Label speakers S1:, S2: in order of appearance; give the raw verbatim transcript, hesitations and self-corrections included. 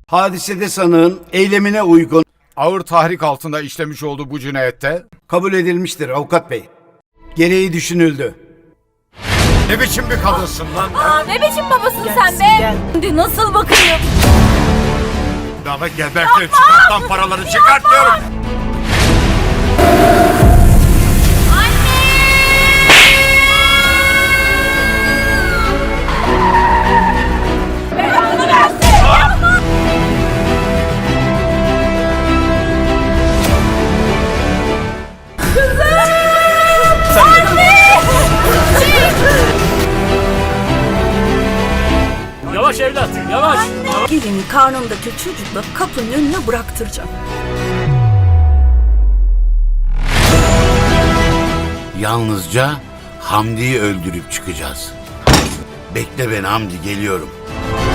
S1: Hadisede sanığın eylemine uygun
S2: Ağır tahrik altında işlemiş olduğu bu cinayette
S1: kabul edilmiştir avukat bey. Gereği düşünüldü.
S2: ne biçim bir kadınsın lan?
S3: Aa, ne biçim babasın sen be? Şimdi nasıl bakayım?
S2: Daha gebertin, çıkarttan paraları çıkartıyorum.
S3: Belanı versin!
S4: Yavaş evlat, yavaş.
S5: Gelini karnındaki çocukla kapının önüne bıraktıracağım.
S6: Yalnızca Hamdi'yi öldürüp çıkacağız. Bekle beni Hamdi, geliyorum.